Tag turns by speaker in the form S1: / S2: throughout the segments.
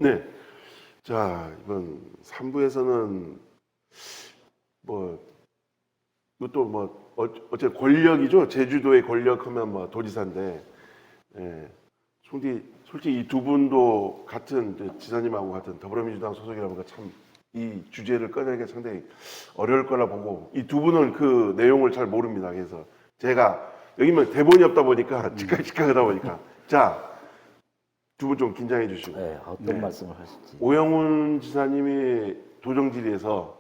S1: 네. 자, 이번 3부에서는 뭐 이것도 뭐 어째 권력이죠. 제주도의 권력하면 뭐 도지사인데, 예. 솔직히 이 두 분도 같은 이제 지사님하고 같은 더불어민주당 소속이라 보니까 참 이 주제를 꺼내기 상당히 어려울 거라 보고 이 두 분은 그 내용을 잘 모릅니다. 그래서 제가 여기면 대본이 없다 보니까 즉각하다 보니까 자, 두 분 좀 긴장해 주시고.
S2: 네, 어떤 말씀을 하실지.
S1: 오영훈 지사님이 도정질의에서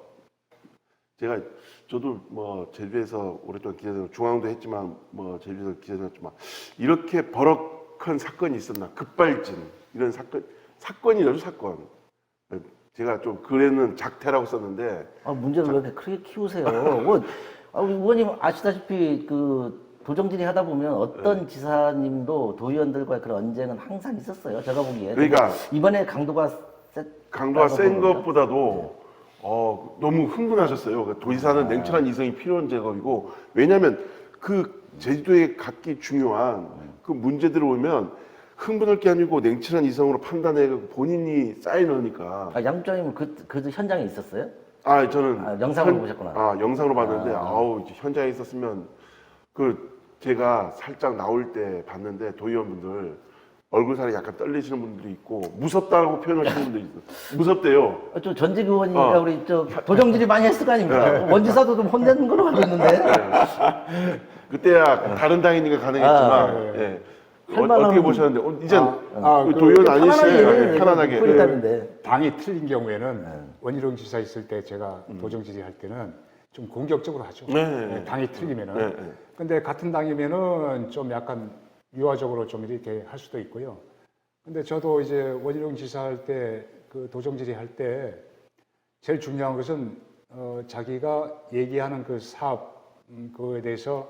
S1: 저도 뭐 제주에서 오랫동안 기자들 중앙도 했지만 뭐 제주에서 기자들 했지만 이렇게 버럭한 사건이 있었나 급발진 이런 사건이라죠 사건. 제가 좀 글에는 작태라고 썼는데
S2: 문제를 왜 이렇게 크게 키우세요? 뭐, 의원님 아시다시피 도정질의 하다 보면 어떤 지사님도 도의원들과의 그런 언쟁은 항상 있었어요. 제가 보기에.
S1: 그러니까
S2: 이번에 강도가
S1: 센 것보다도 너무 흥분하셨어요. 그러니까 도지사는 냉철한 이성이 필요한 작업이고 왜냐하면 그 제주도에 갖기 중요한 그 문제들을 오면 흥분할 게 아니고 냉철한 이성으로 판단해 본인이 사인하니까.
S2: 양부장님은 그 현장에 있었어요?
S1: 저는
S2: 영상으로 보셨구나.
S1: 영상으로 봤는데 이제 현장에 있었으면 제가 살짝 나올 때 봤는데 도의원분들 얼굴 살이 약간 떨리시는 분들이 있고 무섭다고 표현하시는 분들이 있어요. 무섭대요.
S2: 좀 전직 의원이니까 우리 도정질이 많이 했을 거 아닙니까? 원지사도 좀 혼내는 걸로 알고 있는데.
S1: 그때야 다른 당이니까 가능했지만 예. 어떻게 보셨는데 이젠 도의원 아니시네. 편안하게.
S2: 뿌리다는데.
S3: 당이 틀린 경우에는 원희룡 지사 있을 때 제가 도정질의 할 때는 좀 공격적으로 하죠.
S1: 네.
S3: 당이 틀리면은.
S1: 네.
S3: 근데 같은 당이면은 좀 약간 유화적으로 좀 이렇게 할 수도 있고요. 근데 저도 이제 원희룡 지사 할 때 그 도정질의 할 때 제일 중요한 것은 자기가 얘기하는 그 사업 그거에 대해서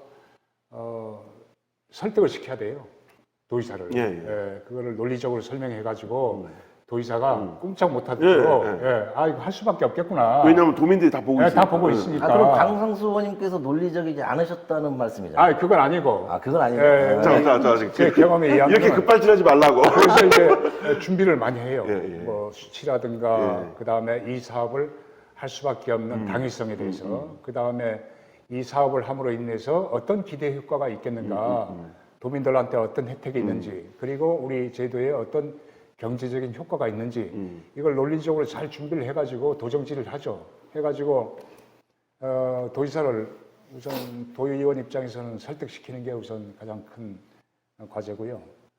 S3: 설득을 시켜야 돼요. 도의사를. 그거를 논리적으로 설명해가지고 도의사가 꼼짝 못하도록 이거 할 수밖에 없겠구나.
S1: 왜냐하면 도민들이 다 보고 있으니까.
S3: 다 보고 있으니까.
S2: 그럼 강상수 의원님께서 논리적이지 않으셨다는 말씀이잖아요.
S3: 그건 아니고.
S2: 그건 아니고.
S3: 제 경험에 의하면
S1: 이렇게 급발진하지 말라고.
S3: 그래서 이제 준비를 많이 해요.
S1: 예.
S3: 뭐 수치라든가 그 다음에 이 사업을 할 수밖에 없는 당위성에 대해서 그 다음에 이 사업을 함으로 인해서 어떤 기대 효과가 있겠는가, 도민들한테 어떤 혜택이 있는지, 그리고 우리 제도에 어떤 경제적인 효과가 있는지 이걸 논리적으로 잘 준비를 해가지고 도정질을 하죠. 해가지고 도지사를 우선 도의원 입장에서는 설득시키는 게 우선 가장 큰 과제고요.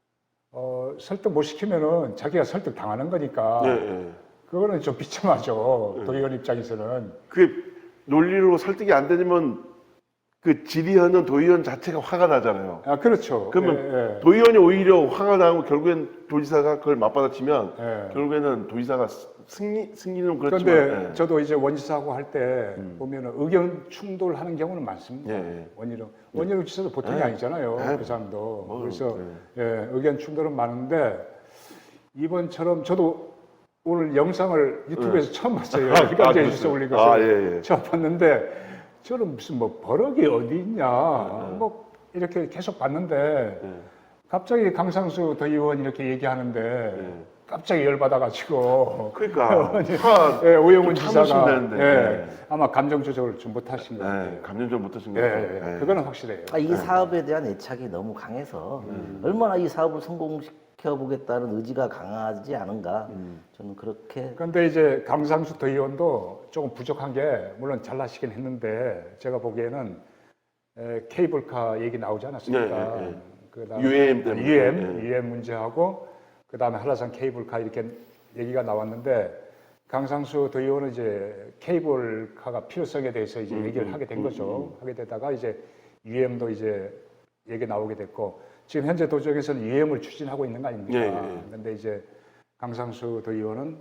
S3: 설득 못 시키면은 자기가 설득 당하는 거니까 그거는 좀 비참하죠. 도의원 입장에서는.
S1: 그게 논리로 설득이 안 되면 그 질의하는 도의원 자체가 화가 나잖아요.
S3: 그렇죠.
S1: 그러면 도의원이 오히려 화가 나고 결국엔 도지사가 그걸 맞받아치면 결국에는 도지사가 승리는 그렇지만.
S3: 그런데 저도 이제 원지사하고 할 때 보면은 의견 충돌하는 경우는 많습니다. 원희룡 지사도 보통이 아니잖아요. 그 사람도. 그래서 의견 충돌은 많은데 이번처럼 저도 오늘 영상을 유튜브에서 처음 봤어요. 그러니까 이제 올린 것을 처음 봤는데 저는 무슨 뭐 버럭이 어디 있냐 뭐 이렇게 계속 봤는데 갑자기 강상수 도의원 이렇게 얘기하는데 갑자기 열받아가지고
S1: 그러니까
S3: 오영훈 지사가
S1: 되는데.
S3: 아마 감정 조절을 좀 못하신 것 같아요.
S1: 감정 좀 못하신 것 같아요.
S3: 그거는 확실해요.
S2: 이 사업에 대한 애착이 너무 강해서 얼마나 이 사업을 성공시켜보겠다는 의지가 강하지 않은가 저는 그렇게.
S3: 그런데 이제 강상수 도의원도 조금 부족한 게 물론 잘나시긴 했는데 제가 보기에는 케이블카 얘기 나오지 않았습니까? 그다음에
S1: UAM 때문에.
S3: UAM 문제하고 그 다음에 한라산 케이블카 이렇게 얘기가 나왔는데 강상수 도의원은 이제 케이블카가 필요성에 대해서 이제 얘기를 하게 된 거죠. 하게 되다가 이제 UM도 이제 얘기 나오게 됐고 지금 현재 도정에서는 UM을 추진하고 있는 거 아닙니까? 그런데 이제 강상수 도의원은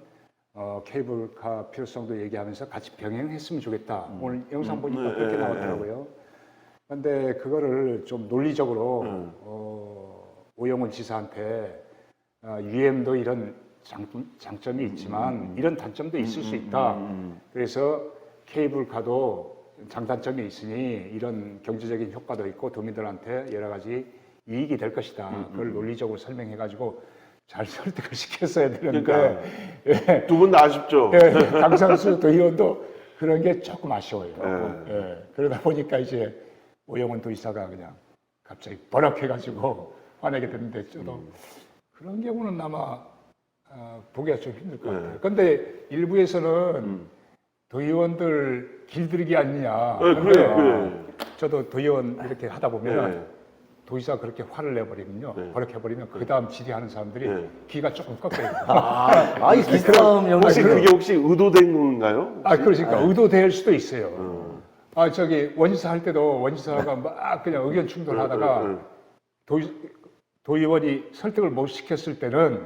S3: 케이블카 필요성도 얘기하면서 같이 병행했으면 좋겠다. 오늘 영상 보니까 그렇게 나왔더라고요. 그런데 그거를 좀 논리적으로 오영훈 지사한테 UM도 이런 장점이 있지만 이런 단점도 있을 수 있다. 그래서 케이블카도 장단점이 있으니 이런 경제적인 효과도 있고 도민들한테 여러 가지 이익이 될 것이다. 그걸 논리적으로 설명해가지고 잘 설득을 시켰어야 되는데
S1: 그러니까.
S3: 예,
S1: 두 분 다 아쉽죠.
S3: 예, 강상수 도의원도 그런 게 조금 아쉬워요.
S1: 네.
S3: 예, 그러다 보니까 이제 오영훈 도지사가 그냥 갑자기 버럭해가지고 화내게 됐는데 저도 그런 경우는 아마 보기가 좀 힘들 것 같아요. 그런데 일부에서는 도의원들 길들이기 아니냐.
S1: 네,
S3: 근데
S1: 그래.
S3: 저도 도의원 이렇게 하다 보면
S1: 네.
S3: 도지사가 그렇게 화를 내버리면요.
S1: 네.
S3: 버럭해버리면 그 다음 질의하는 사람들이
S1: 네.
S3: 귀가 조금 꺾여요.
S2: 이 기싸움
S1: 혹시
S2: 영역이
S1: 그게 혹시 의도된 건가요?
S3: 그러니까 의도될 수도 있어요. 저기 원지사 할 때도 원지사가 막 그냥 의견 충돌하다가 도의원이 설득을 못 시켰을 때는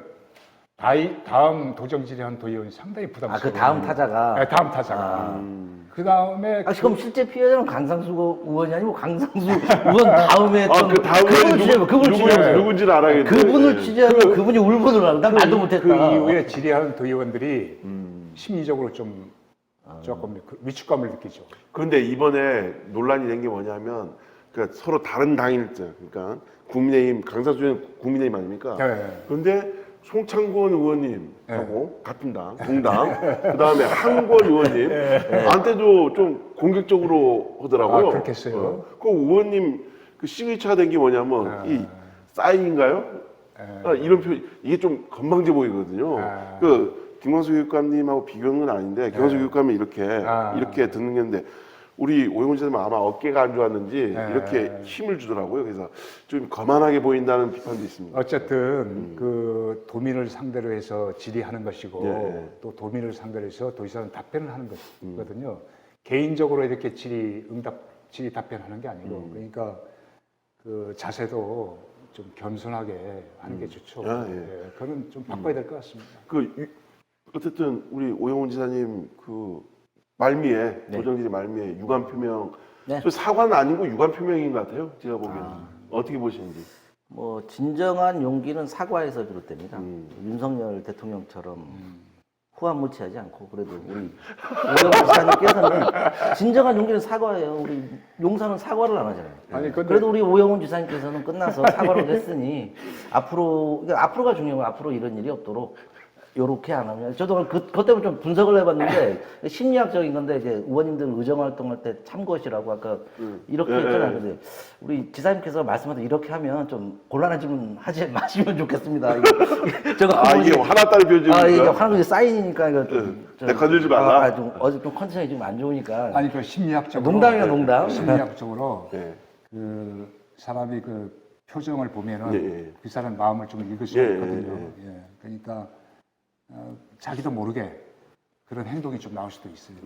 S3: 다음 도정 질의한 도의원이 상당히 부담스러워요.
S2: 그 다음 타자가.
S3: 네, 다음 타자가. 그 다음에
S2: 그럼 실제 피해자는 강상수 의원이 아니고 강상수 의원 다음에 했던
S1: 그 다음에
S2: 그분을 취재하면 그분을 취재하면
S1: 누군지는 알아야겠는데.
S2: 그분을 취재하면 그분이 울분을 하고 난 말도 못했다.
S3: 그 이후에 질의하는 도의원들이 심리적으로 좀 조금 위축감을 느끼죠.
S1: 그런데 이번에 논란이 된 게 뭐냐면 그러니까 서로 다른 당일자, 그러니까 국민의힘 강사수는 국민의힘 아닙니까?
S3: 네.
S1: 그런데 송창권 의원님하고 같은 당, 동당, 그 다음에 한권 의원님한테도 좀 공격적으로 하더라고요.
S3: 그렇겠어요.
S1: 그 의원님 그 시그니처가 된 게 뭐냐면 이 사인인가요? 이런 표 이게 좀 건방져 보이거든요. 그 김광수 교육감님하고 비교는 아닌데 김광수 교육감이 이렇게 듣는 게 있는데 우리 오영훈 지사님은 아마 어깨가 안 좋았는지 이렇게 힘을 주더라고요. 그래서 좀 거만하게 보인다는 비판도 있습니다.
S3: 어쨌든 그 도민을 상대로 해서 질의하는 것이고
S1: 예.
S3: 또 도민을 상대로 해서 도지사는 답변을 하는 것이거든요. 개인적으로 이렇게 질의 답변하는 게 아니고 그러니까 그 자세도 좀 겸손하게 하는 게 좋죠.
S1: 예.
S3: 그건 좀 바꿔야 될 것 같습니다.
S1: 어쨌든 우리 오영훈 지사님 그 말미에 도정질의 말미에 유감 표명 저 사과는 아니고 유감 표명인 것 같아요. 제가 보기에는 어떻게 보시는지.
S2: 뭐 진정한 용기는 사과에서 비롯됩니다. 윤석열 대통령처럼 후한무치하지 않고 그래도 우리 오영훈 지사님께서는 진정한 용기는 사과예요. 우리 용사는 사과를 안 하잖아요.
S3: 아니, 근데
S2: 그래도 우리 오영훈 지사님께서는 끝나서 사과를 했으니 앞으로가 중요해요. 앞으로 이런 일이 없도록. 요렇게 안 하면 저도 그것 때문에 좀 분석을 해봤는데 심리학적인 건데 이제 의원님들 의정 활동할 때 참것이라고 아까 이렇게 했잖아요. 근데 우리 지사님께서 말씀하신 이렇게 하면 좀 곤란한 질문 하지 마시면 좋겠습니다.
S1: 이게 화났다는 표정인가요?
S2: 이게 화난 사인이니까 이거
S1: 내 건들지 말라.
S2: 어제 좀 컨디션이 좀 안 좋으니까.
S3: 아니 그 심리학적으로
S2: 농담이야 농담.
S3: 심리학적으로
S1: 네.
S3: 그 사람이 그 표정을 보면은
S1: 예.
S3: 그 사람 마음을 좀 읽을 수가
S1: 예,
S3: 있거든요. 예. 그러니까 자기도 모르게 그런 행동이 좀 나올 수도 있어요.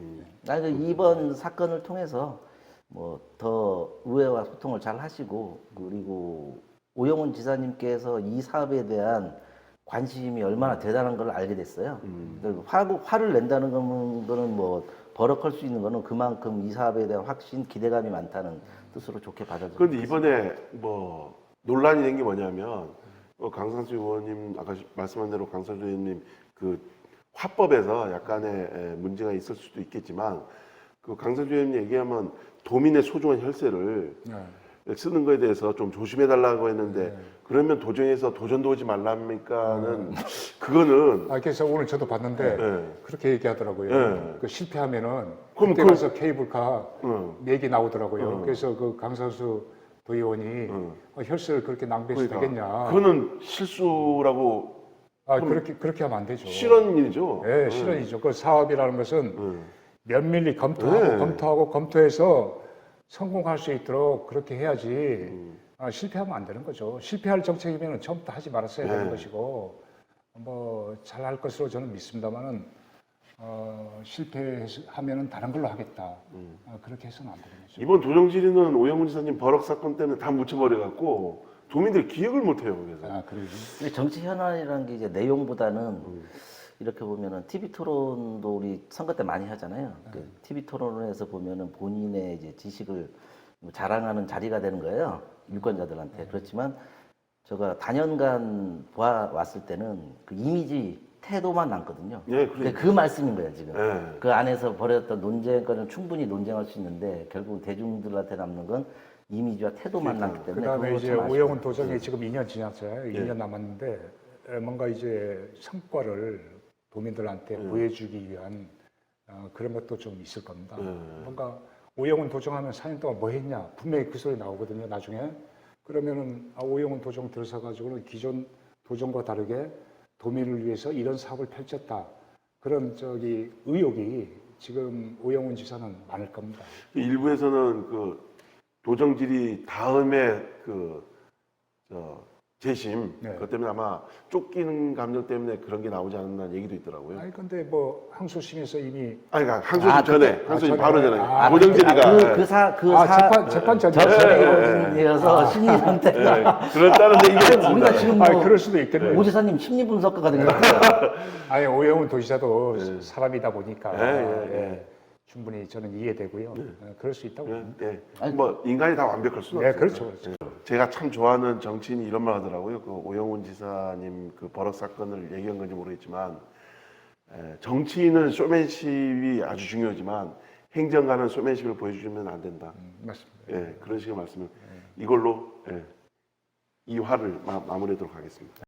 S2: 이번 사건을 통해서 뭐 더 의회와 소통을 잘 하시고 그리고 오영훈 지사님께서 이 사업에 대한 관심이 얼마나 대단한 걸 알게 됐어요. 화를 낸다는 거는 뭐 버럭할 수 있는 거는 그만큼 이 사업에 대한 확신, 기대감이 많다는 뜻으로 좋게 받아들여요.
S1: 그런데 이번에 뭐 논란이 된 게 뭐냐면 강상수 의원님 아까 말씀한 대로 강상수 의원님 그 화법에서 약간의 문제가 있을 수도 있겠지만 그 강상수 의원님 얘기하면 도민의 소중한 혈세를 쓰는 거에 대해서 좀 조심해 달라고 했는데 그러면 도정에서 도전도 오지 말랍니까는 그거는
S3: 그래서 오늘 저도 봤는데 그렇게 얘기하더라고요. 그 실패하면은
S1: 그럼
S3: 그때 가서 케이블카 얘기 나오더라고요.
S1: 어.
S3: 그래서 그 강상수 도의원이 혈세를 그렇게 낭비해서 되겠냐.
S1: 그거는 실수라고
S3: 그렇게 하면 안 되죠.
S1: 실언이죠.
S3: 네, 실언이죠. 그 사업이라는 것은 면밀히 검토해서 성공할 수 있도록 그렇게 해야지 실패하면 안 되는 거죠. 실패할 정책이면 처음부터 하지 말았어야 되는 것이고 뭐 잘할 것으로 저는 믿습니다만은 실패하면은 다른 걸로 하겠다. 그렇게 해서는 안 되는 거죠.
S1: 이번 도정질의는 오영훈 지사님 버럭 사건 때문에 다 묻혀버려갖고 도민들이 기억을 못해요. 그래서.
S3: 그래요.
S2: 근데 정치 현안이라는 게 이제 내용보다는 이렇게 보면은 TV 토론도 우리 선거 때 많이 하잖아요. 그 TV 토론에서 보면은 본인의 이제 지식을 자랑하는 자리가 되는 거예요. 유권자들한테. 그렇지만 제가 단연간 보아왔을 때는 그 이미지 태도만 남거든요. 그 말씀인 거예요, 지금. 그 안에서 벌였던 논쟁거리는 충분히 논쟁할 수 있는데 결국 대중들한테 남는 건 이미지와 태도만 남기 때문에.
S3: 그다음에 이제 오영훈 도정이 지금 2년 지났어요. 2년 남았는데 뭔가 이제 성과를 도민들한테 보여주기 위한 그런 것도 좀 있을 겁니다. 뭔가 오영훈 도정하면 4년 동안 뭐 했냐 분명히 그 소리 나오거든요. 나중에 그러면은 오영훈 도정 들어서가지고는 기존 도정과 다르게 도민을 위해서 이런 사업을 펼쳤다. 그런 의혹이 지금 오영훈 지사는 많을 겁니다.
S1: 일부에서는 그 도정질이 다음에 재심
S3: 네.
S1: 그것 때문에 아마 쫓기는 감정 때문에 그런 게 나오지 않았나 얘기도 있더라고요.
S3: 아니 근데 뭐 항소심에서 이미
S1: 아니 그러니까 항소심 전에 항소심
S3: 전에.
S1: 바로 전에
S3: 아,
S1: 도정질이가
S3: 재판 전에
S2: 접수이어서 심리 상태가
S1: 그렇다는 얘기가 있습니다.
S2: 우리가 지금 뭐
S3: 그럴 수도 있겠네요.
S2: 오 지사님 심리 분석가가 된 것 같아요.
S3: 아니 오영훈 도지사도 사람이다 보니까
S1: 예.
S3: 충분히 저는 이해되고요. 그럴 수 있다고 봅니다.
S1: 뭐 인간이 다 완벽할 수는
S3: 네,
S1: 없어요.
S3: 그렇죠.
S1: 제가 참 좋아하는 정치인이 이런 말 하더라고요. 그 오영훈 지사님 그 버럭 사건을 얘기한 건지 모르겠지만 정치인은 쇼맨십이 아주 중요하지만 행정가는 쇼맨십을 보여주면 안 된다.
S3: 맞습니다.
S1: 그런 식의 말씀을 이걸로 이 화를 마무리하도록 하겠습니다.